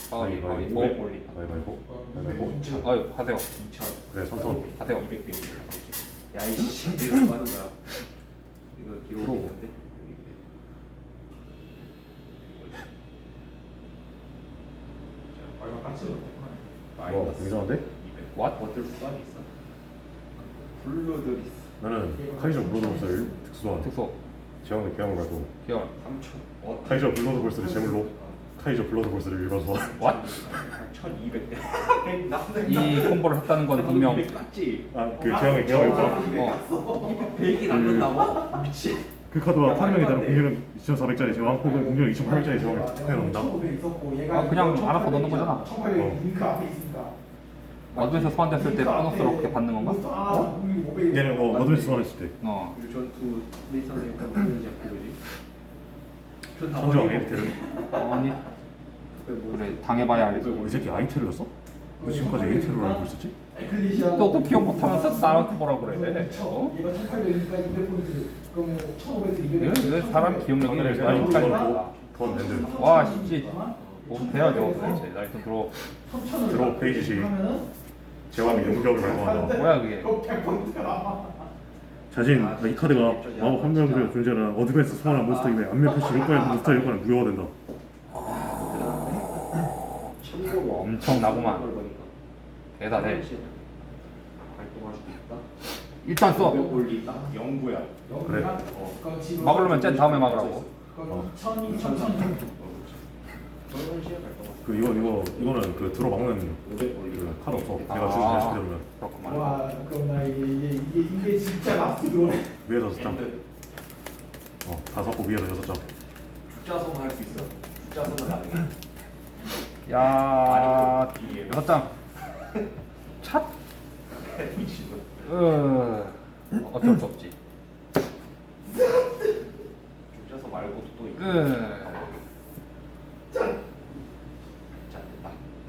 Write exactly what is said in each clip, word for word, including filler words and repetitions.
가위 가위 가위바위보. 오백 올리. 가위바위보. 가위바위보. 차. 아유 하세요. 이천. 그래 선선. 하세요. 이백 대 야이씨 이거 뭐 하는 거야? 이거 기록이 프로. 있는데. 자, 빨간 깍지 와 이상한데? What? 버틀 수단이 있어. 블루드리스 나는 카이저 블러드볼스를 특수한 특수 제왕의 교양을 말고 기억. 삼천. 어? 카이저 블러드볼스를 제물로 카이저 블러드볼스를 일반 소환. What? 천이백 대. 이 콤보를 했다는 건 분명 깍지. 아그 제왕의 교양을 말고 어 백이 남는다고? 미친. 그 카드와 파밍에 따른 공격은 이천사백짜리 제왕 혹은 공격은 이천팔백짜리 제왕을 투표해 놓는다. 아, 그냥 알아서 넣는 거잖아. 어. 링크 앞에 있으니까. 어드에서 소환됐을 때 보너스로 그렇게 받는 건가? 어? 얘는 어 어드벤스 소환했을 때 어 그리고 전투 레이선을 약간 보는지 그러지. 선정 에이테를 아니 그래 당해봐야 알지. 이 새끼 아이테를 넣었어? 왜 지금까지 에이테를 알고 있었지? 너도 기억 못하면서 나한테 뭐라 그래? 어? 얘가 천팔백이니까 이백 포인트. 그럼 천오백, 이백. 왜, 왜 사람 기억력이 이렇게 많이 헷갈리는가? 돈 랜드 와 진짜 뭐 돼야죠 도대체. 나 일단 들어. 드로우 페이지시 제왕의 용격을 발동한다. 뭐야 그게? 백 포인트가 남아. 자신 이 카드가 마법 한 명의 존재는 어드밴스 소환한 몬스터임에 안면 표시 효과의 몬스터 효과는 무효화된다. 엄청 나구만. 대단해. 활동할 수 있다. 일단 써. 올리다. 영구야. 그래. 막으려면 쟤 다음에 막으라고. 어. 천, 이천, 천. 저런 시에 활동할 그 이거 이거 이거는 그 들어 막는 오백 올리다. 그 카드 없어. 내가 아. 주는 대신 그러면 그렇구만. 와, 그럼 나 이게 이게 이게, 이게 진짜 나스 들어오네. 위에 다섯 장, 어 다섯 고 위에 여섯 장. 숫자성 할 수 있어. 숫자성은 나중에. 야 여섯 장. 찻. 미친놈. 어 어쩔 수 없지. 숫자성 말고도 또 있고. 음. 짠. 짠 됐다.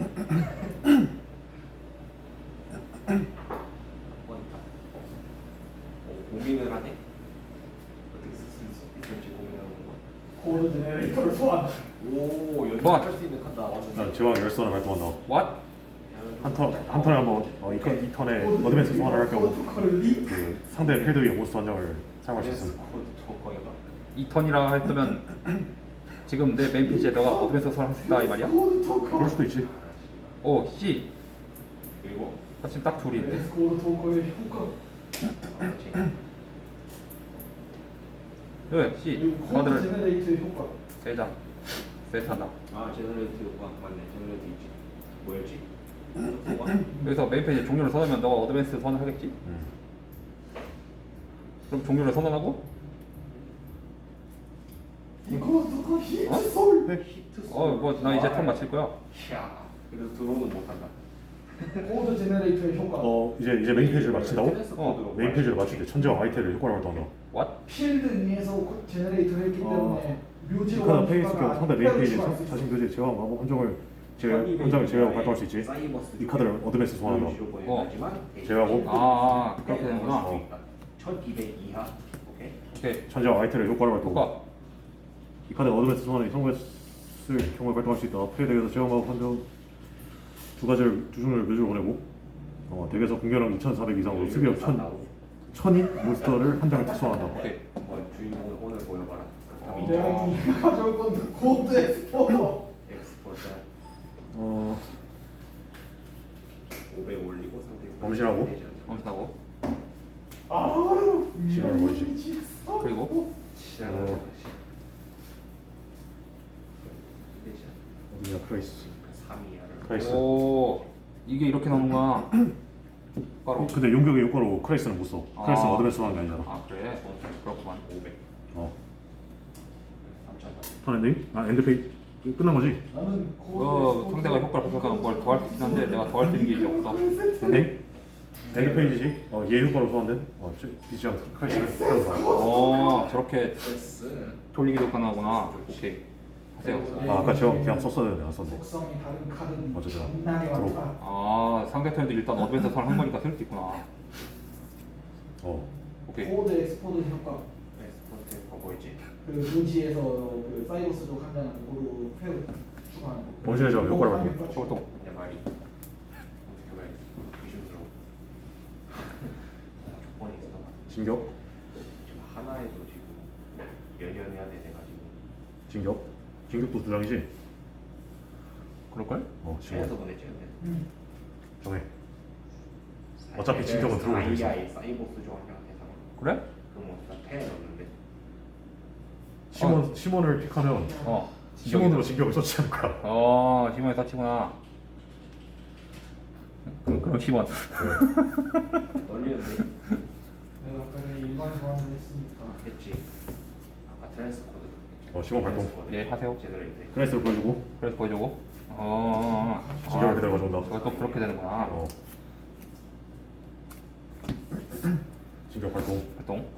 한번 더. 오, 고민을 하네. 어떻게 쓸 수 있을지 고민하는 거. 코드 제네레이터를 소환. 오, 뭐? 연습할 수 있는 카드 나왔는데. 난 제왕 열선을 발동한다. What? 한 턴 한 턴에 한번 어, 이, 턴- 이 턴에 어드밴스 소환을 할 경우 코드 링크. 그 상대 필드 위에 몬스터 한 장을 사용할 수 있음. 코드 저거가. 이 턴이라 했으면 지금 내 메인 페이지에 너가 어드밴스 소환할 수 있다 이 말이야? 코드 토커. 그럴 수도 있지. 오 C. 그리고 사실 딱 둘인데. 코드 토커의 효과. 네 C. 그리고 코드 카드를 제네레이터의 효과. 세 장. 세트한다. 아 제너레이트가 맞네. 제너레이트 있지. 뭐였지? 여기서 메인 페이지에 종료를 선언하면 너가 어드밴스 선언을 하겠지? 음. 그럼 종료를 선언하고 코드 토커 히트 솔. 히트. 어 뭐 나 이제 턴 마칠 거야. 야. 그래서 드론은 못한다. 코드 제네레이터의 효과. 어 이제 이제 메인 페이지를 마친다고? 어, 메인 페이지를 마칠 때 천재와 아이테를 효과를 발동한다. What? 필드 위에서 코- 제네레이터를 했기 어. 때문에 이 묘지로 카드 페이지 경우 상대 메인 페이지에 자- 자신 교재 제왕 마법 한 장을 제 한 장을 제외하고 발동할 수 있지. 이 카드를 어드밴스 소환한다. 어. 제외하고 아 그렇게 되는구나. 어. 천이백 이하. 오케이. 오케이. 천재와 아이테를 효과를 발동. 효과. 이 카드 어드밴스 소환이 성공했을 경우에 발동할 수 있다. 플레이 덱에서 제왕 마법 한장 두 가지를 두 종류를 묘지로 보내고 어, 덱에서 공격력 이천사백 이상으로 수비력 천 천인 몬스터를 한 장을 특수화한다. 오케이. 한번 주인공을 오늘 보여봐라. 어. 내가 가져올 건 코드 엑스포터. 엑스포트 어 오백 올리고 상대. 범실하고? 엄청나고. 아, 시간을 버리지. 그리고 시작을. 어디냐 크라이스. 삼 이하를. 크라이스. 오 이게 이렇게 나오는구나. 바로. 근데 용격의 효과로 크라이스는 못 써. 크라이스는 아. 어드밴스 소환이 아니잖아. 아 그래? 그렇구만. 오백. 어. 삼천. 턴 엔딩? 아 엔드 페이 끝난 거지? 나는 어 상대가 효과를 발동하면 뭘 더 할 수 있긴 한데 내가 더 할 수 있는 게 이제 없어. 엔딩? 엔드 페이지지? 어, 얘 효과로 소환된? 어, 비지랑 크라이스를 사용한다. 어 저렇게 패스. 돌리기도 가능하구나. 오케이. 하세요. 아 아까 제가 그냥 썼어야 되는데 안 썼네. 속성이 다른 카드는 어쩌죠? 장난이 들어. 많다. 아 상대 턴에도 일단 어드밴스 선을 한 거니까 쓸 수 있구나. 어. 오케이. 코드 엑스포터 효과. 엑스포트 버거이지. 그 묘지에서 그 사이버스족 한 장을 고루 패우. 추가하는 거. 원시의 제왕 효과를 발동. 저것도 그냥 말이 어떻게 말해 의심스러워. 조건이 있어. 진격, 지금 하나에도 지금 연연해야 돼 돼가지고 진격, 진격도 두 장이지. 그럴걸? 어, 최에서 진격. 보냈지 근데. 음. 정해. 어차피 진격은 들어오고 있어. 아이아이 사이보스 조합이랑 해서 그래? 그럼 어디다 펜에 넣는데 시몬 시몬을 픽하면 어 시몬으로 진격을 서치 않을 거야. 어 시몬이 서치구나. 그럼 그럼 시몬. 널리는데 내가 아까 전에 일반 소환을 했으니까. 했지. 아까 트랜스 코드. 어, 시몬 발동. 예, 하세요. 제대로 했대. 크레스를 보여주고 그래서 보여주고. 어, 어, 어. 진격을 그대로 가져온다. 저것도 그렇게 되는구나. 어. 진격 발동. 활동.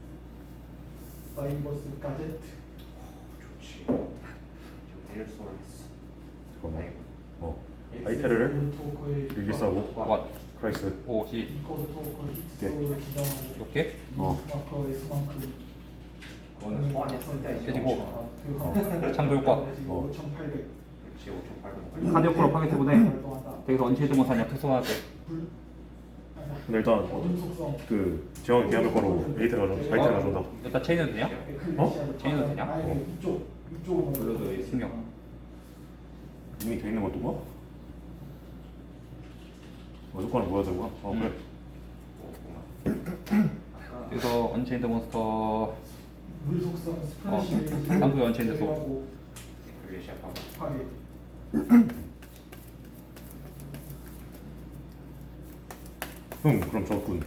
사이버스 가제트. 좋지. 지금 데일 소울스. 잠깐만. 어. 아이테르를 토커의 일기싸고 왓. 크라이스. 오시. 이코드 토커 네. 히트소를 지정하고. 이렇게. 어. 마커의 수만큼. 그거는 소환했을 때 깨지고. 어. 창조 효과. 어. 오천팔백. 그렇지 오천팔백. 카드 효과로 파괴 때문에 활동한다. 여기서 언체드 못하냐 특성화 때. 불. 아니야. 근데 일단 어둠 속성. 그 제왕 기한 효과로 에이테를 가져 아이테를 가져온다. 일단 체인은 되냐? 어? 체인은 되냐? 아니 어. 이쪽 이쪽으로 블러드 있어. 신경. 이미 돼 있는 것도 뭐? 어, 효과는 뭐야 되구나. 어 음. 그래. 아까 여기서 언체인드 몬스터 물 속성 어, 스플래시. 쌍둥이 언체인드 소. 그게 시작하고 파괴. 응, 그럼 적군.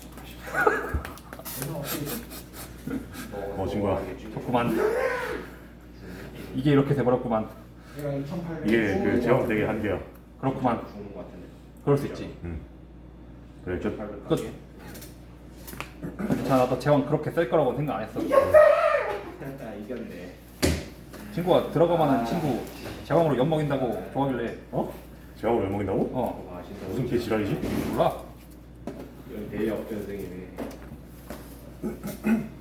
그래서 어떻게 어, 친구야. 좋구만. 이게 이렇게 돼버렸구만. 내가 이천팔백. 이게 그 제왕 덱의 한계야. 그렇구만. 죽는 거 같은데. 그럴 수 있지. 응. 그래, 끝. 팔백 끝. 자, 나도 제왕 그렇게 쓸 거라고 생각 안 했어. 아 이겼네. 친구가 들어가면은 친구 제왕으로 엿 먹인다고 좋아하길래. 어? 제왕을 왜 먹인다고? 어, 와 진짜 무슨 개 지랄이지? 몰라. 이건 대역전승이네.